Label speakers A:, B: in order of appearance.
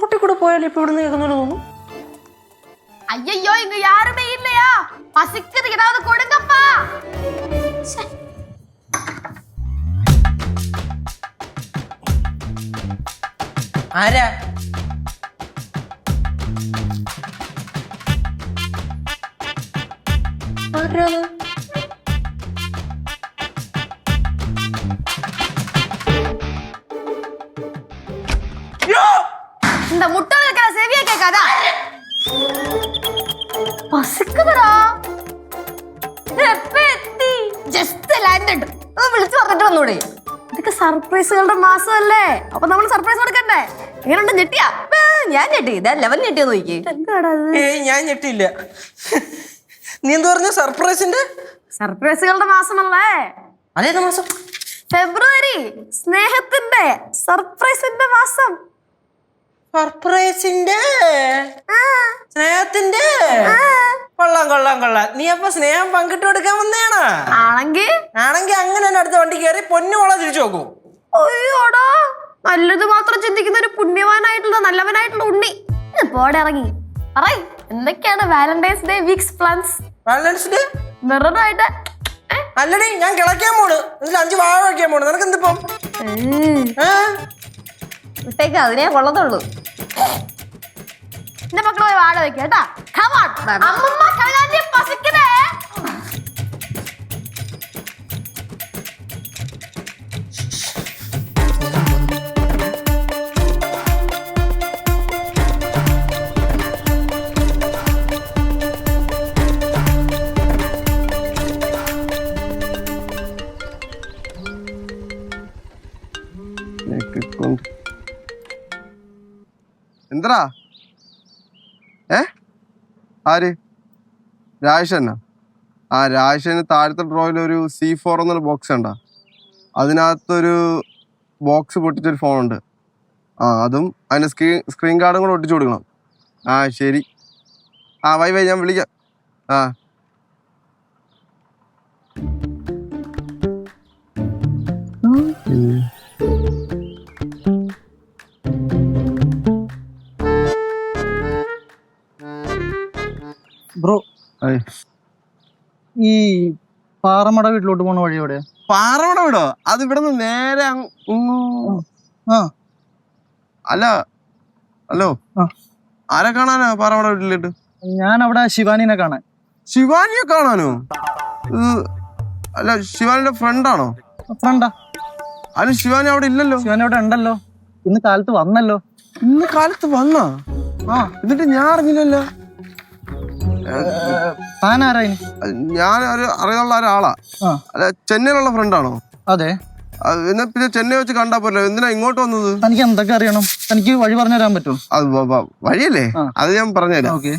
A: റോട്ടിൽ കൂടെ പോയാലും ഇപ്പൊ ഇവിടെ നിന്ന് കേൾക്കുന്നോണ്ട് തോന്നുന്നു.
B: ஐயோ இங்க யாருமே இல்லையா? பசிக்குது, ஏதாவது கொடுங்கப்பா.
A: ആരാ?
B: இந்த முட்டை இருக்கிற செவிய கேட்காதா? പസിക്കുതടാ. Just landed. വിളിച്ചു പറഞ്ഞിട്ട് വന്നൂടെ? ഇതൊക്കെ സർപ്രൈസുകളുടെ മാസമല്ലേ, അപ്പൊ നമ്മൾ സർപ്രൈസ് കൊടുക്കണ്ടേ? എങ്ങനെയുണ്ട്? ഞെട്ടിയാ? ഞാൻ ഞെട്ടി. ഇതാ ലെവൻ ഞെട്ടിയെന്ന് നോക്കി.
A: ഞാൻ ഞെട്ടിയില്ല. നീ എന്ത് പറഞ്ഞു? സർപ്രൈസിന്റെ
B: സർപ്രൈസുകളുടെ മാസമല്ലേ?
A: അതേത് മാസം?
B: ഫെബ്രുവരി. സ്നേഹത്തിന്റെ സർപ്രൈസിന്റെ മാസം.
A: സർപ്രൈസിന്റെ സ്നേഹത്തിന്റെ. കൊള്ളാം കൊള്ളാം കൊള്ളാം. നീ അപ്പൊ സ്നേഹം പങ്കിട്ട് കൊടുക്കാൻ വന്നേണാ?
B: ആണെങ്കിൽ
A: അങ്ങനെ തന്നെ അടുത്ത വണ്ടി കയറി പൊന്നുകൊള്ളാൻ തിരിച്ചു നോക്കൂ.
B: അയ്യോടാ, നല്ലത് മാത്രം ചിന്തിക്കുന്ന ഒരു പുണ്യവാനായിട്ടുള്ള നല്ലവനായിട്ടുള്ള ഉണ്ണി. പോടെ ഇറങ്ങി പറയ്, എന്തൊക്കെയാണ് Valentine's day weeks plans?
A: Valentine's day
B: മിററായിട്ട്
A: അല്ലടി, ഞാൻ കിളയ്ക്കാൻ പോണ്. എന്നിട്ട് 5 വാഴ വയ്ക്കാൻ പോണ്. നിനക്ക് എന്തിപ്പം?
B: വിട്ടേക്ക്, അതിനെ കൊള്ളത്തുള്ളൂ. എന്റെ മക്കള് പോയി വാഴ വെക്കാം കേട്ടാ. അമ്മമ്മ കഴുകാൻ പസിക്കണേ.
C: എന്തടാ? ആര്? രാജേഷന്നാ? രാജേഷന് താഴത്തെ ഡ്രോയിൽ ഒരു C4 എന്നൊരു ബോക്സ് ഉണ്ടാ. അതിനകത്തൊരു ബോക്സ് പൊട്ടിച്ചൊരു ഫോണുണ്ട്. അതും അതിൻ്റെ സ്ക്രീൻ കാർഡും കൂടെ ഒട്ടിച്ചു കൊടുക്കണം. ശരി. വൈ ഞാൻ വിളിക്കാം.
D: ബ്രോ, ഈ പാറമട വീട്ടിലോട്ട് പോണ വഴി എവിടെ?
C: പാറമട വീടോ? അത് ഇവിടെ നിന്ന് നേരെ അല്ല. ഹലോ, ആരെ കാണാനാ പാറമട വീട്ടിലിട്ട്?
D: ഞാൻ അവിടെ ശിവാനിനെ കാണാൻ.
C: ശിവാനിയെ കാണാനോ? അല്ല, ശിവാനിയുടെ ഫ്രണ്ടാണോ?
D: ഫ്രണ്ടാ.
C: അല്ല, ശിവാനി അവിടെ ഇല്ലല്ലോ.
D: ശിവാനി അവിടെ ഉണ്ടല്ലോ, ഇന്ന് കാലത്ത് വന്നല്ലോ.
C: ഇന്ന് കാലത്ത് വന്നാ? എന്നിട്ട് ഞാൻ അറിഞ്ഞില്ലല്ലോ.
D: താനാരാ?
C: ഞാൻ അറിയാനുള്ള ഒരാളാ. അല്ല, ചെന്നൈയിലുള്ള ഫ്രണ്ടാണോ?
D: അതെ.
C: എന്നാ പിന്നെ ചെന്നൈ വെച്ച് കണ്ടാ പോരല്ലോ. എന്തിനാ ഇങ്ങോട്ട് വന്നത്?
D: എനിക്ക് എന്തൊക്കെ അറിയണം? എനിക്ക് വഴി പറഞ്ഞു തരാൻ പറ്റുമോ?
C: അത് വഴിയല്ലേ, അത് ഞാൻ പറഞ്ഞുതരാം.